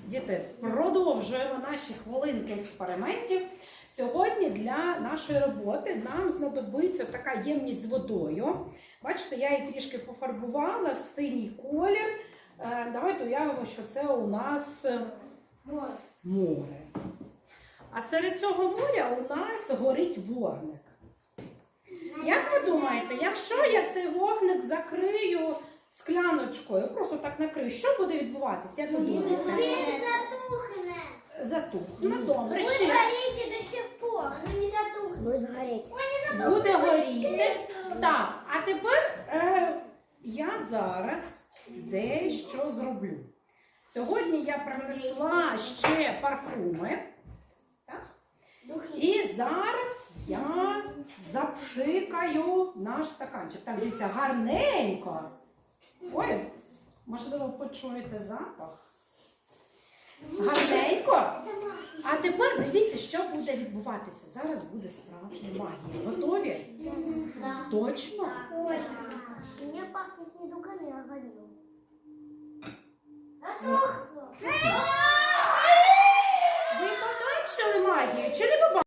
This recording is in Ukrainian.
Діти, продовжуємо наші хвилинки експериментів. Сьогодні для нашої роботи нам знадобиться така ємність з водою. Бачите, я її трішки пофарбувала в синій колір. Давайте уявимо, що це у нас море. А серед цього моря у нас горить вогник. Як ви думаєте, якщо я цей вогник закрию скляночкою, просто так накрию, що буде відбуватися? Як ви думаєте? Він затухне. Затухне. Добре. Буде Ще. горіти до сих пор, але не затухне. Буде горіти. Буде горіти. Так, а тепер я зараз дещо зроблю. Сьогодні я принесла ще парфуми. Так? І зараз я запшикаю наш стаканчик. Так, дивіться, гарненько. Ой, можливо, почуєте запах. Гарненько. А тепер дивіться, що буде відбуватися. Зараз буде справжня магія. Готові? Точно? Точно. Мені пахнет не дуками, а горілкою.